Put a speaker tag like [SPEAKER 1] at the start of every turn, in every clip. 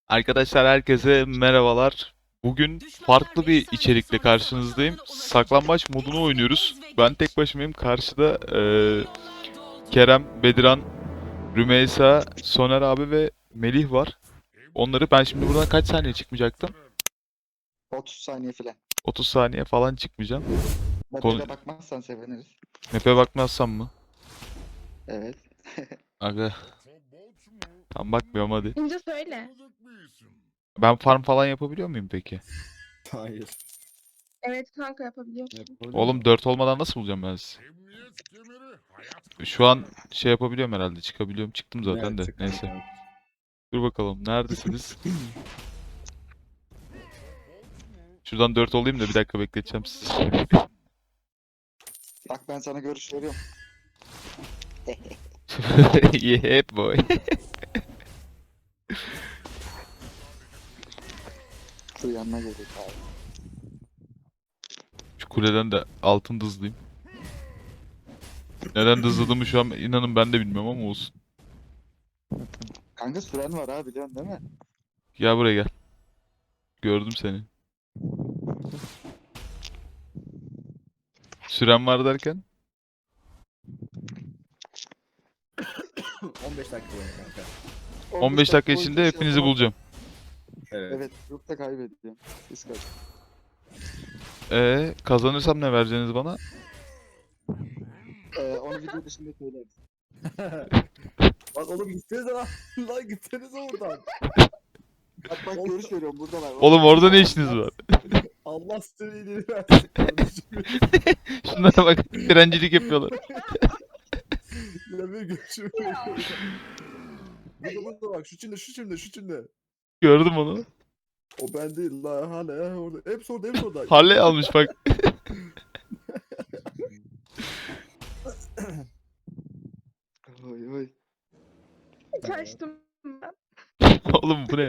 [SPEAKER 1] Arkadaşlar herkese merhabalar. Bugün farklı bir içerikle karşınızdayım. Saklambaç modunu oynuyoruz. Ben tek başımayım. Karşıda Kerem, Bediran, Rümeysa, Soner abi ve Melih var. Onları ben şimdi buradan kaç saniye çıkmayacaktım?
[SPEAKER 2] 30 saniye falan.
[SPEAKER 1] 30 saniye falan çıkmayacağım. Konu...
[SPEAKER 2] Map'e bakmazsan seviniriz.
[SPEAKER 1] Map'e bakmazsam mı?
[SPEAKER 2] Evet.
[SPEAKER 1] Aga, tam bakmıyorum hadi.
[SPEAKER 3] İnce söyle.
[SPEAKER 1] Ben farm falan yapabiliyor muyum peki?
[SPEAKER 4] Hayır.
[SPEAKER 3] Evet kanka yapabiliyorsun.
[SPEAKER 1] Oğlum 4 olmadan nasıl bulacağım ben sizi? Şu an şey yapabiliyorum herhalde. Çıkabiliyorum. Çıktım zaten de. Neyse. Dur bakalım. Neredesiniz? Şuradan 4 olayım da bir dakika bekleteceğim sizi.
[SPEAKER 2] Bak ben sana görüş veriyorum.
[SPEAKER 1] Yeah boy.
[SPEAKER 2] Şu yanına geliyor abi.
[SPEAKER 1] Şu kuleden de altın hızlıyım. Neden hızladığımı şu an inanın ben de bilmiyorum ama olsun.
[SPEAKER 2] Kanka süren var ha biliyorsun değil mi?
[SPEAKER 1] Gel buraya gel. Gördüm seni. Süren var derken?
[SPEAKER 4] 15 dakika var kanka.
[SPEAKER 1] 15 dakika
[SPEAKER 2] boyunca
[SPEAKER 1] içinde
[SPEAKER 2] şey
[SPEAKER 1] hepinizi
[SPEAKER 2] yapamam.
[SPEAKER 1] bulacağım.
[SPEAKER 4] Evet.
[SPEAKER 2] Evet. Yoksa kaybedeceğim. Biz kaç.
[SPEAKER 1] Kazanırsam ne vereceksiniz bana?
[SPEAKER 2] Onu video dışında söyleriz.
[SPEAKER 4] Bak oğlum gitsenize lan. Lan gitsenize oradan.
[SPEAKER 2] Bak görüş veriyorum buradalar.
[SPEAKER 1] Oğlum orada ne işiniz var?
[SPEAKER 4] Allah size iyiliğini versin kardeşim.
[SPEAKER 1] Şunlara bak. Direncilik yapıyorlar.
[SPEAKER 4] Ya bir görüşüm burada bak şu çimde.
[SPEAKER 1] Gördüm onu.
[SPEAKER 4] O ben değil la hala orada. Hepsi orada.
[SPEAKER 1] Harley almış bak.
[SPEAKER 2] Oy oy.
[SPEAKER 3] Kaçtım ben.
[SPEAKER 1] Oğlum bu ne?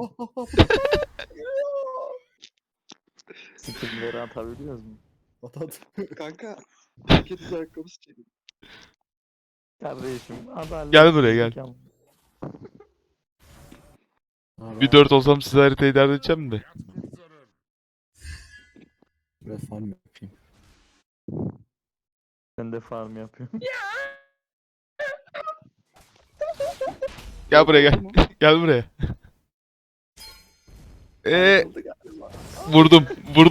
[SPEAKER 5] Skill'leri atabiliyoruz mu?
[SPEAKER 4] At.
[SPEAKER 2] Kanka. Herkes ayakkabısı çekin.
[SPEAKER 5] Kardeşim adalet.
[SPEAKER 1] Gel buraya, gel. Bir 4 olsam size haritayı dert edeceğim de.
[SPEAKER 4] Biraz farm yapayım.
[SPEAKER 5] Ben de farm yapıyorum.
[SPEAKER 1] Gel buraya gel. Gel buraya. Vurdum.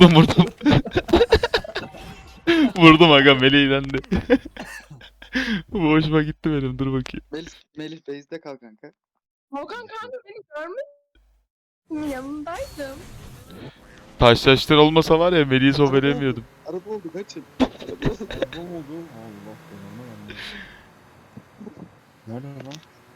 [SPEAKER 1] Vurdum aga Melih ilendi. Bu hoşuma gitti benim. Dur bakayım.
[SPEAKER 2] Melih base'de kal kanka.
[SPEAKER 3] Volkan kanka beni görmedin mi? Yanındaydım.
[SPEAKER 1] Taşlaştır olmasa var ya Melih'i sobelemiyordum.
[SPEAKER 2] Araba oldu kaçın.
[SPEAKER 4] Ne oldu? Allah belanı vermesin. Nerede lan?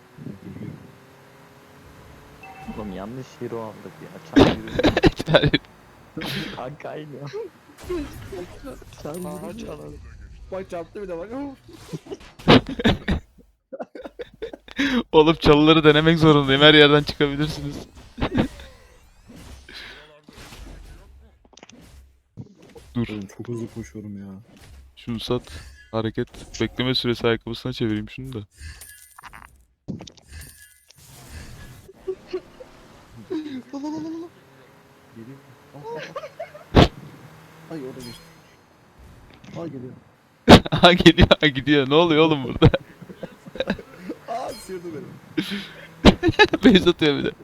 [SPEAKER 5] Oğlum yanlış hero aldık ya. Çan yürüdü. Kanka aynı ya. Çan
[SPEAKER 2] Aha,
[SPEAKER 5] yürüdü.
[SPEAKER 2] çal.
[SPEAKER 4] Bak çarptı bir de bak.
[SPEAKER 1] Oğlum çalıları denemek zorundayım. Her yerden çıkabilirsiniz. Dur.
[SPEAKER 4] Oğlum çok hızlı koşuyorum ya.
[SPEAKER 1] Şunu sat. Hareket. Bekleme süresi ayakkabısına çevireyim şunu da.
[SPEAKER 4] Geliyor. Ay orada geçti. Ay geliyor.
[SPEAKER 1] Aha geliyor, aha gidiyor. Ne oluyor oğlum burada?
[SPEAKER 4] Aa sıyırdı beni.
[SPEAKER 1] Beyz atıyor bir de.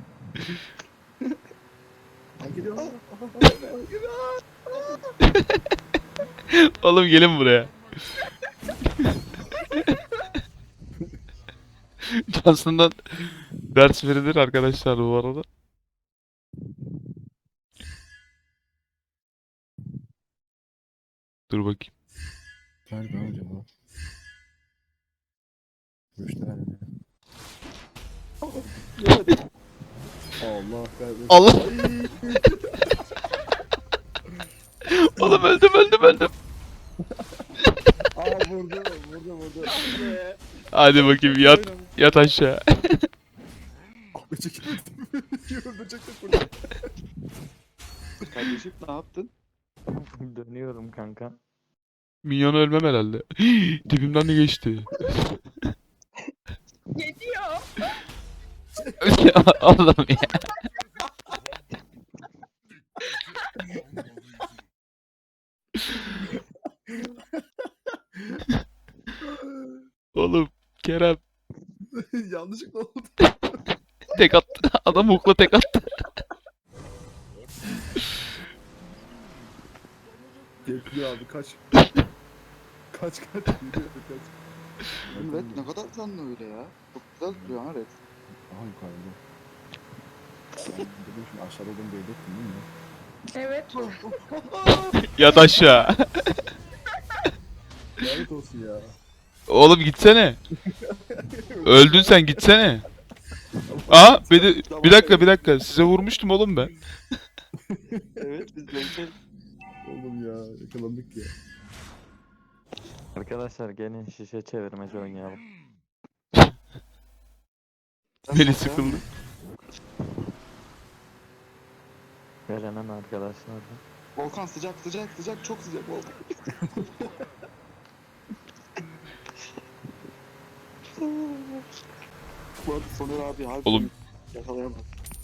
[SPEAKER 4] Ay geliyor.
[SPEAKER 1] Oğlum gelin buraya. Johnson'dan ders verilir arkadaşlar bu arada. Dur bakayım.
[SPEAKER 4] Nerede acaba? Görüşler mi? Allah kahretsin.
[SPEAKER 1] Allah!
[SPEAKER 4] Ay.
[SPEAKER 1] Oğlum öldüm.
[SPEAKER 4] Aa vurdu.
[SPEAKER 1] Hadi bakayım yat aşağı.
[SPEAKER 4] Abi çekildim. Öldürecektik burada.
[SPEAKER 2] Kardeşim ne yaptın?
[SPEAKER 5] Dönüyorum kanka.
[SPEAKER 1] Minyon ölmem herhalde. Dibimden de geçti.
[SPEAKER 3] Geliyor.
[SPEAKER 1] Oğlum ya. Oğlum Kerem
[SPEAKER 4] Yanlışlıkla oldu.
[SPEAKER 1] tek attı. Adam hukla tek attı.
[SPEAKER 4] Bekliyor abi kaç. Kaç. Geliyor kaç.
[SPEAKER 2] Oğlum Red ne kadar canlı öyle ya. Çok güzel duruyor ha Red.
[SPEAKER 4] Aha yukarıda. Ben dedim şimdi aşağıda olduğumu belli ettim değil mi?
[SPEAKER 3] Evet.
[SPEAKER 1] Yat aşağı.
[SPEAKER 4] Lanet olsun ya.
[SPEAKER 1] Oğlum gitsene. Öldün sen gitsene. Aa bir dakika size vurmuştum oğlum ben.
[SPEAKER 2] Evet biz Red'e
[SPEAKER 4] Oğlum ya yakalandık ya.
[SPEAKER 5] Arkadaşlar gelin şişe çevirmeci oynayalım.
[SPEAKER 1] Beni sıkıldı.
[SPEAKER 5] Gelenen arkadaşlar da.
[SPEAKER 2] Volkan sıcak çok sıcak Volkan. Bu arada Soner abi harbi
[SPEAKER 1] Oğlum.
[SPEAKER 2] yakalayamaz.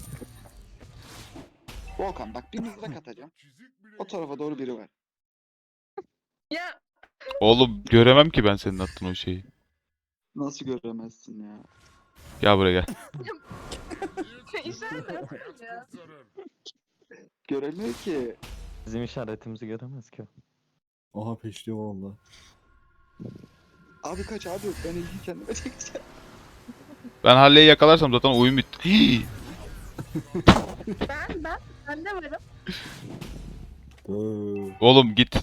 [SPEAKER 2] Volkan bak bir mızrak atacağım. O tarafa doğru biri var.
[SPEAKER 3] Ya
[SPEAKER 1] Oğlum göremem ki ben senin attığın o şeyi.
[SPEAKER 2] Nasıl göremezsin ya?
[SPEAKER 1] Gel buraya gel.
[SPEAKER 3] işaret atıyor ya.
[SPEAKER 2] Göremiyor ki.
[SPEAKER 5] Bizim işaretimizi göremez ki.
[SPEAKER 4] Aha peşliyor valla.
[SPEAKER 2] Abi kaç abi ben ilgi kendime çekeceğim.
[SPEAKER 1] Ben Halley'i yakalarsam zaten oyun bitti. Hii!
[SPEAKER 3] Ben de varım.
[SPEAKER 1] Oğlum git.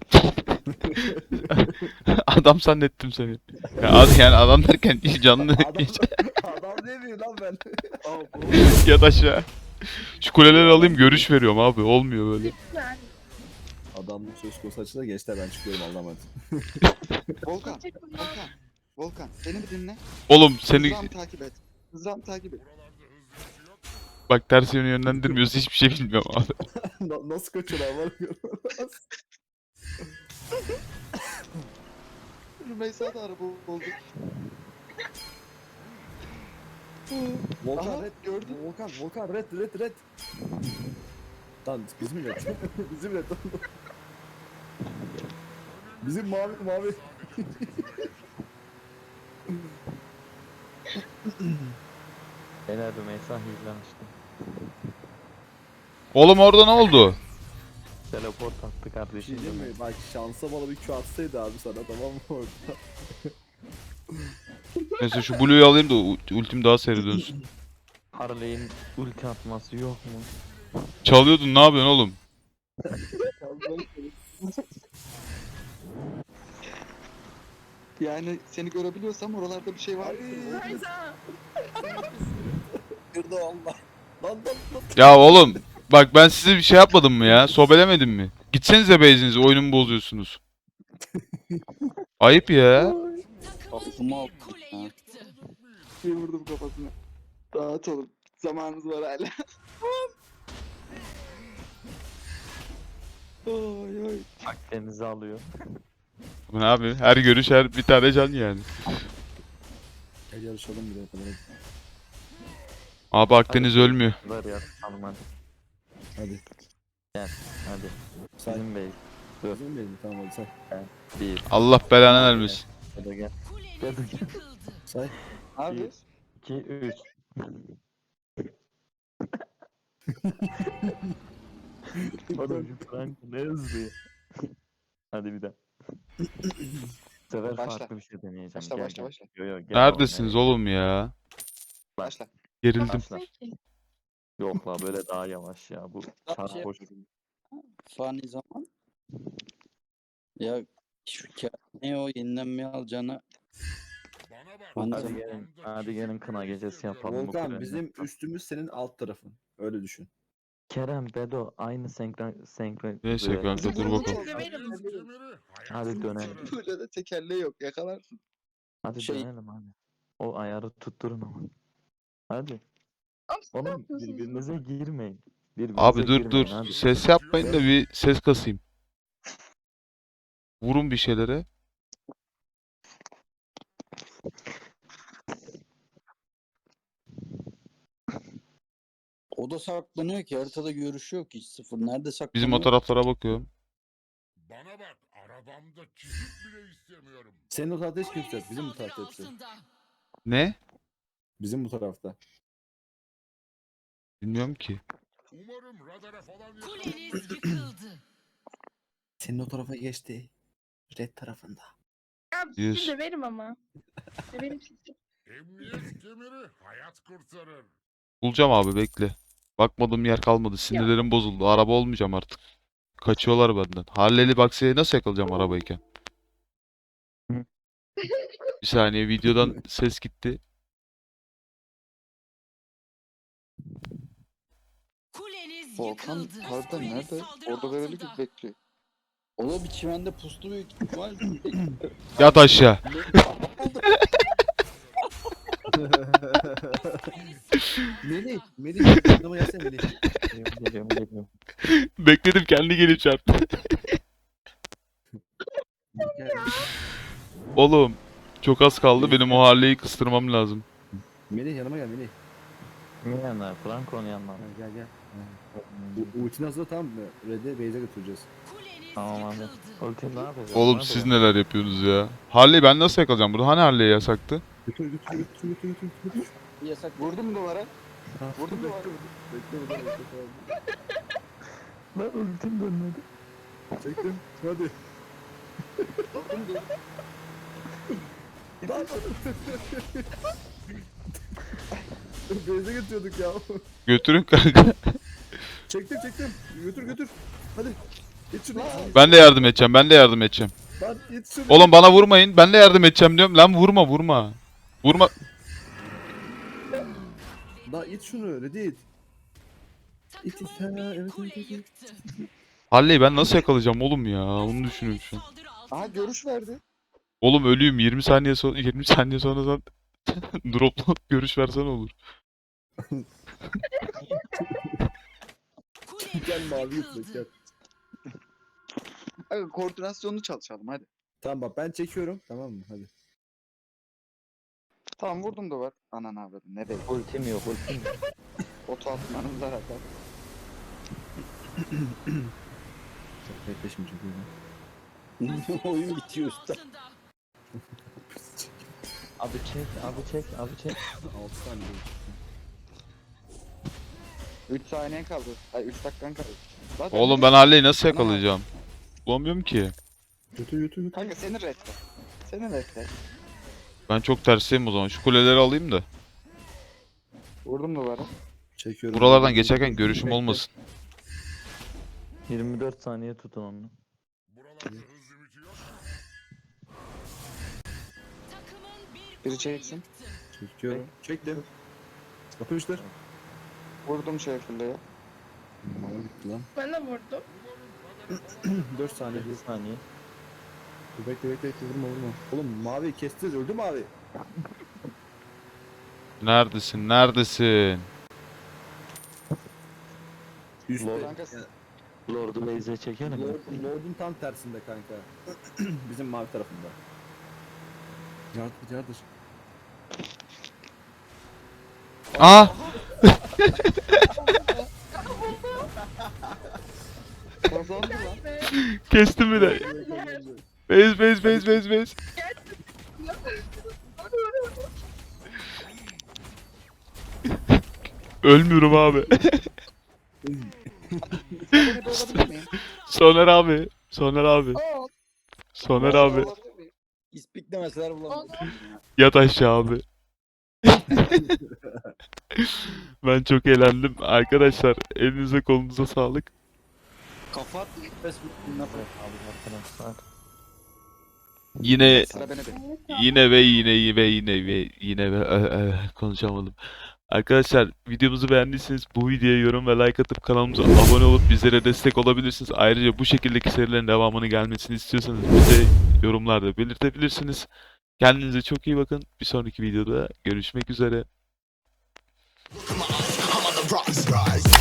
[SPEAKER 1] Adam zannettim seni. Yani adam derken canlı
[SPEAKER 4] Adam demiyor lan ben.
[SPEAKER 1] yat aşağı. Şu kuleleri alayım görüş veriyorum abi. Olmuyor böyle.
[SPEAKER 3] Yani.
[SPEAKER 4] Adamlık söz konusu açıda gençler ben çıkıyorum Allah'a emanet.
[SPEAKER 2] Volkan, Volkan beni bir dinle.
[SPEAKER 1] Oğlum seni
[SPEAKER 2] Mızrağımı takip et. Mızrağımı takip et.
[SPEAKER 1] bak ters yöne yönlendirmiyorsa hiçbir şey bilmiyorum abi.
[SPEAKER 4] Nasıl kaçıyorlar var ya?
[SPEAKER 2] Rümeysa da araba oldu.
[SPEAKER 4] Volkan
[SPEAKER 2] Aha,
[SPEAKER 4] red
[SPEAKER 2] gördüm.
[SPEAKER 4] Volkan red. Lan bizim red. Bizim red. Bizim mavi.
[SPEAKER 5] Beyler Rümeysa hile açtı.
[SPEAKER 1] Oğlum orada ne oldu?
[SPEAKER 5] Teleport attı
[SPEAKER 4] Bir
[SPEAKER 5] kardeşim.
[SPEAKER 4] şey diyeyim mi? Bak şansa bana bir Q atsaydı abi sana tamam mı orada?
[SPEAKER 1] Neyse şu Blue'yu alayım da ultim daha seri dönsün.
[SPEAKER 5] Harley'in ulti atması yok mu?
[SPEAKER 1] Çalıyordun ne yapıyorsun oğlum?
[SPEAKER 2] Yani seni görebiliyorsam oralarda bir şey var.
[SPEAKER 3] Hayda.
[SPEAKER 4] Kırdı Allah. Lan.
[SPEAKER 1] Ya oğlum bak ben size bir şey yapmadım mı ya? Sobelemedim mi? Gitsenize base'inize oyunumu bozuyorsunuz. Ayıp ya.
[SPEAKER 2] Aklıma aldım. Bir vurdum kafasına. Rahat olun. Zamanımız var hala. Oy oy.
[SPEAKER 5] Akdeniz'i alıyor.
[SPEAKER 1] Bu ne abi? Her görüş her bir tane can yani.
[SPEAKER 4] Gel yarışalım bir de kadar.
[SPEAKER 1] Abi Akdeniz ölmüyor.
[SPEAKER 5] Ver ya tamam hadi.
[SPEAKER 4] Hadi.
[SPEAKER 5] Hadi.
[SPEAKER 4] Say.
[SPEAKER 5] Bizim bey.
[SPEAKER 4] Bizim benim tamam hadi say.
[SPEAKER 5] 1.
[SPEAKER 1] Allah belanı vermesin.
[SPEAKER 5] Hadi gel. Gel gel.
[SPEAKER 4] Say.
[SPEAKER 2] Abi
[SPEAKER 5] 2 3. Oğlum şu Frank ne hızlı ya. Hadi bir daha. Bu sefer
[SPEAKER 2] Başla.
[SPEAKER 5] farklı bir şey deneyeceğim.
[SPEAKER 2] Başla,
[SPEAKER 5] Gel,
[SPEAKER 2] başla,
[SPEAKER 5] gel.
[SPEAKER 2] başla.
[SPEAKER 5] Yo, yo, gel
[SPEAKER 1] Neredesiniz
[SPEAKER 5] oğlum,
[SPEAKER 1] oğlum ya?
[SPEAKER 2] başla.
[SPEAKER 1] Gerildim.
[SPEAKER 5] Başla. Yok la böyle daha yavaş ya bu sarhoş.
[SPEAKER 6] Fani zaman. Ya şu ne o yenilenmeye alacağına. Fani
[SPEAKER 5] Hadi
[SPEAKER 6] zaman.
[SPEAKER 5] gelin, hadi gelin kına gecesi yapalım. bu
[SPEAKER 4] Volkan
[SPEAKER 5] kulenin.
[SPEAKER 4] bizim üstümüz senin alt tarafın. Öyle düşün.
[SPEAKER 5] Kerem, Bedo aynı senkron.
[SPEAKER 1] Neyse kanka dur
[SPEAKER 2] Bizim
[SPEAKER 1] bakalım.
[SPEAKER 3] Severim.
[SPEAKER 5] Hadi dönelim.
[SPEAKER 2] Burada da tekerleği yok. Yakalarsın.
[SPEAKER 5] Hadi
[SPEAKER 6] Şey-
[SPEAKER 5] dönelim hadi. O ayarı tutturun ama. Hadi. Oğlum birbirinize girmeyin. Birbirinize
[SPEAKER 1] Abi dur
[SPEAKER 5] girmeyin,
[SPEAKER 1] dur.
[SPEAKER 5] hadi.
[SPEAKER 1] Ses yapmayın da bir ses kasayım. Vurun bir şeylere.
[SPEAKER 6] O da saklanıyor ki haritada görüşü yok hiç sıfır. Nerede saklanıyor?
[SPEAKER 1] Bizim o taraflara bakıyorum.
[SPEAKER 7] Bana bak, arabamda çizik bile istemiyorum.
[SPEAKER 4] Senin o tarafta hiç kimse yok. Bizim bu tarafta hepsi.
[SPEAKER 1] Ne?
[SPEAKER 4] Bizim bu tarafta.
[SPEAKER 1] Bilmiyorum ki.
[SPEAKER 7] Umarım radara falan
[SPEAKER 8] Kuleniz yıkıldı.
[SPEAKER 4] Senin o tarafa geçti. Red tarafında.
[SPEAKER 3] Abi
[SPEAKER 1] Yüz.
[SPEAKER 3] sizi döverim ama. Döverim sizi.
[SPEAKER 7] Emniyet kemeri hayat kurtarır.
[SPEAKER 1] Bulacağım abi, bekle. Bakmadığım yer kalmadı. Sinirlerim bozuldu. Araba olmayacağım artık. Kaçıyorlar benden. Harley'li Baxia'yı nasıl yakalayacağım arabayken? Bir saniye, videodan ses gitti.
[SPEAKER 8] Kuleniz
[SPEAKER 2] Volkan
[SPEAKER 8] yıkıldı.
[SPEAKER 2] harbiden
[SPEAKER 8] Kuleniz
[SPEAKER 2] nerede?
[SPEAKER 8] saldırı
[SPEAKER 2] Orada böyle gibi
[SPEAKER 8] altında.
[SPEAKER 2] bekliyor.
[SPEAKER 6] O da bir çimende pustu büyük ihtimal.
[SPEAKER 1] Yat aşağı.
[SPEAKER 4] Melih, yanıma gelsene Melih.
[SPEAKER 5] Geliyorum.
[SPEAKER 1] Bekledim, kendi gelip çarptı. Oğlum, çok az kaldı. Benim o Harley'yi kıstırmam lazım.
[SPEAKER 4] Melih yanıma gel Melih.
[SPEAKER 5] Kimin yanına? Franco'nun yanına.
[SPEAKER 4] Gel gel. Ultini hazırla, tamam mı? Red'e base'e götüreceğiz.
[SPEAKER 8] Kuleniz
[SPEAKER 5] Tamam abi.
[SPEAKER 8] yıkıldı.
[SPEAKER 5] Ultim ne yapacağız?
[SPEAKER 1] Oğlum
[SPEAKER 5] Ne
[SPEAKER 1] siz
[SPEAKER 5] yapacağız?
[SPEAKER 1] neler yapıyorsunuz ya? Harley ben nasıl yakalayacağım burada? Hani Harley yasaktı?
[SPEAKER 4] Götür.
[SPEAKER 6] Yasak.
[SPEAKER 2] Vurdun mu duvara?
[SPEAKER 4] Vurdum
[SPEAKER 2] mu?
[SPEAKER 4] Bekle.
[SPEAKER 5] Lan ultim dönmedi.
[SPEAKER 4] Çektim. Hadi.
[SPEAKER 2] Vurdum mu?
[SPEAKER 4] Base'e götürüyorduk ya.
[SPEAKER 1] Götürün kanka.
[SPEAKER 4] Çektim. Götür. Hadi. Git şunu.
[SPEAKER 1] Ben de yardım edeceğim.
[SPEAKER 4] Lan git şunu.
[SPEAKER 1] Oğlum bana vurmayın. Ben de yardım edeceğim diyorum. Lan vurma. Vurma.
[SPEAKER 4] Lan it şunu. Red'i it. İt it. Ha, evet.
[SPEAKER 8] Yıktı.
[SPEAKER 1] Harley'i ben nasıl yakalayacağım oğlum ya? Onu düşünüyorum şu an.
[SPEAKER 8] Saldırı altında.
[SPEAKER 2] Aha görüş verdi.
[SPEAKER 1] Oğlum ölüyüm. 20 saniye sonra sen dropla görüş versen olur.
[SPEAKER 8] Kuleniz
[SPEAKER 4] Gel mavi
[SPEAKER 8] yıkıldı.
[SPEAKER 4] yutmak gel.
[SPEAKER 2] Aga koordinasyonunu çalışalım hadi.
[SPEAKER 4] Tamam bak ben çekiyorum. Tamam mı? Hadi.
[SPEAKER 2] Tamam vurdum duvar. Ananı avradım. Ne değil.
[SPEAKER 5] Ultim yok.
[SPEAKER 2] Oto atmanız zaten.
[SPEAKER 4] Bekle şimdi çekiyorum.
[SPEAKER 6] Oyun bitiyor usta.
[SPEAKER 8] Altında.
[SPEAKER 5] Abi çek.
[SPEAKER 4] 6 saniye.
[SPEAKER 2] 3 saniyen kaldı. Ay 3 dakikan kaldı. Zaten
[SPEAKER 1] Oğlum ben Harley'i nasıl yakalayacağım? Bulamıyorum ki.
[SPEAKER 4] Götür.
[SPEAKER 2] Kanka senin redde. Senin redde.
[SPEAKER 1] Ben çok tersteyim o zaman. Şu kuleleri alayım da.
[SPEAKER 2] Vurdum duvara.
[SPEAKER 4] Çekiyorum.
[SPEAKER 1] Buralardan geçerken görüşüm
[SPEAKER 4] Bekle.
[SPEAKER 1] olmasın.
[SPEAKER 5] 24 saniye tutun onu.
[SPEAKER 7] Buralarda hız limiti yok.
[SPEAKER 8] Takımın bir
[SPEAKER 2] Biri
[SPEAKER 8] kule
[SPEAKER 2] çeksin.
[SPEAKER 8] yıktı.
[SPEAKER 4] Çekiyorum. Çektim. Yapıştır.
[SPEAKER 2] Vurdum şefliğe.
[SPEAKER 4] Mama gitti lan.
[SPEAKER 3] Ben de vurdum.
[SPEAKER 4] 4 saniye.
[SPEAKER 5] 7 saniye.
[SPEAKER 4] Dur, bekle. Vurma. Oğlum mavi kestiniz. Öldü mavi.
[SPEAKER 1] Neredesin?
[SPEAKER 4] Üstte.
[SPEAKER 2] Kanka
[SPEAKER 5] Lord'u base'e çekelim mi?
[SPEAKER 4] Lord'un tam tersinde kanka. Bizim mavi tarafında. Yardır.
[SPEAKER 1] Aa!
[SPEAKER 2] kazandı lan.
[SPEAKER 3] Ve
[SPEAKER 1] Kestim bir de. Base. Ölmüyorum abi.
[SPEAKER 2] Beni de olabilir miyim?
[SPEAKER 1] Soner abi. Soner abi.
[SPEAKER 2] Olabilir miyim?
[SPEAKER 6] İspik demeseler bulamam.
[SPEAKER 1] Yat aşağı abi. Ben çok eğlendim. Arkadaşlar elinize kolunuza sağlık.
[SPEAKER 6] Kafa at. Facebook dinle.
[SPEAKER 5] Abi arkadaşlar.
[SPEAKER 1] Yine
[SPEAKER 2] Sıra beni
[SPEAKER 1] konuşamadım. Arkadaşlar videomuzu beğendiyseniz bu videoya yorum ve like atıp kanalımıza abone olup bizlere destek olabilirsiniz. Ayrıca bu şekildeki serilerin devamını gelmesini istiyorsanız bize yorumlarda belirtebilirsiniz. Kendinize çok iyi bakın. Bir sonraki videoda görüşmek üzere.
[SPEAKER 9] I'm on the rise.